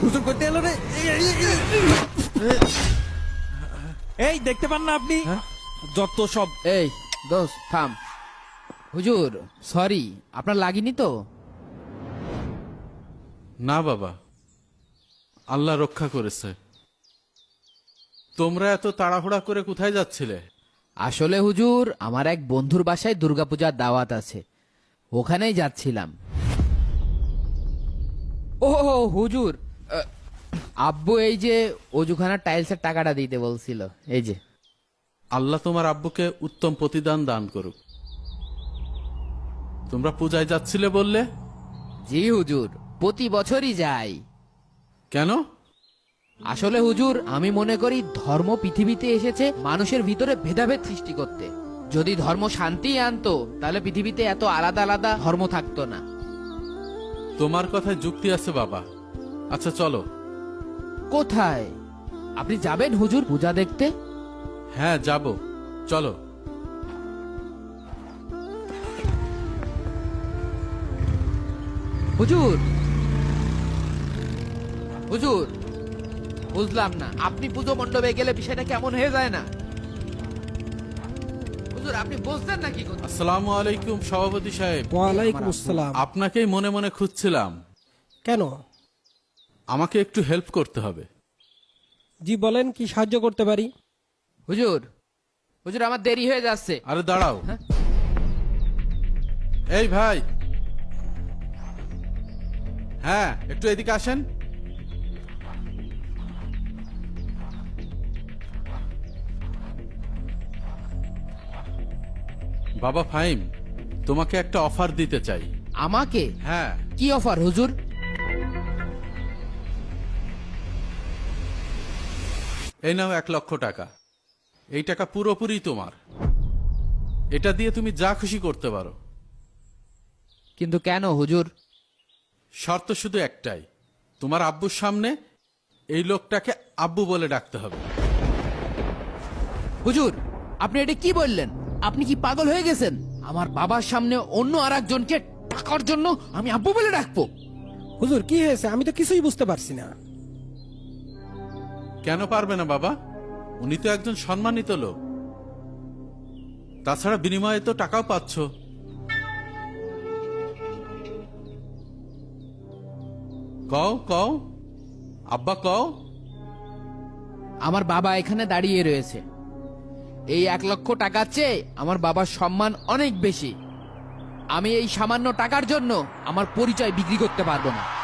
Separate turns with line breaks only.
হুজুর করতে এলো রে। এই দেখতে পান না আপনি যত সব।
এই দোস্ত থাম। হুজুর সরি, আপনার লাগেনি তো?
না বাবা, আল্লাহ রক্ষা করেছে। তোমরা এত তাড়াহুড়া করে কোথায় যাচ্ছিলে?
আসলে হুজুর আমার এক বন্ধুর বাসায় দুর্গাপূজার দাওয়াত আছে, ওখানেই যাচ্ছিলাম। ও হুজুর, আব্বু এই যে অজুখানার টাইলসের টাকাটা দিতে বলছিল, এই যে।
আল্লাহ তোমার আব্বুকে উত্তম প্রতিদান দান করুক। তোমরা পূজায় যাচ্ছিলে বললে?
জি হুজুর, প্রতি বছরই যাই।
কেন?
আসলে হুজুর আমি মনে করি ধর্ম পৃথিবীতে এসেছে মানুষের ভিতরে ভেদাভেদ সৃষ্টি করতে। যদি ধর্ম শান্তি আনতো তাহলে পৃথিবীতে এত আলাদা আলাদা ধর্ম থাকতো না।
তোমার কথায় যুক্তি আছে বাবা। আচ্ছা চলো।
কোথায়? আপনি যাবেন হুজুর পূজা দেখতে?
হ্যাঁ যাব, চলো।
হুজুর হুজুর বুঝলাম না, আপনি পুজো মণ্ডপে গেলে বিষয়টা কেমন হয়ে যায় না? হুজুর আপনি বুঝতেন নাকি?
আসসালামু আলাইকুম সভাপতি সাহেব।
ওয়ালাইকুম আসসালাম।
আপনাকেই মনে মনে খুঁজছিলাম।
কেন?
আমাকে একটু হেল্প করতে হবে।
জি বলেন, কি সাহায্য করতে পারি?
হুজুর হুজুর আমার দেরি হয়ে যাচ্ছে।
আরে দাঁড়াও।
হ্যাঁ?
এই ভাই, হ্যাঁ একটু এদিকে আসেন। বাবা ফাহিম, তোমাকে একটা অফার দিতে চাই।
আমাকে?
হ্যাঁ,
কি অফার হুজুর?
এই নাও 1,00,000 টাকা। এই টাকা পুরোপুরি তোমার। এটা দিয়ে তুমি যা খুশি করতে পারো।
কিন্তু কেন হুজুর?
শর্ত শুধু একটাই, তোমার আব্বুর সামনে এই লোকটাকে আব্বু বলে ডাকতে হবে।
হুজুর আপনি এটা কি বললেন? আপনি কি পাগল হয়ে গেছেন? আমার বাবার সামনে অন্য আর একজনকে টাকার জন্য আমি আব্বু বলে ডাকবো?
হুজুর কি হয়েছে? আমি তো কিছুই বুঝতে পারছি না।
কেন পারবে না বাবা? উনি তো একজন সম্মানিত লোক। তাছাড়া বিনিময়ে তো টাকাও পাচ্ছ। কও কও, আব্বা কও।
আমার বাবা এখানে দাঁড়িয়ে রয়েছে। এই 1,00,000 টাকার চেয়ে আমার বাবার সম্মান অনেক বেশি। আমি এই সামান্য টাকার জন্য আমার পরিচয় বিক্রি করতে পারবো না।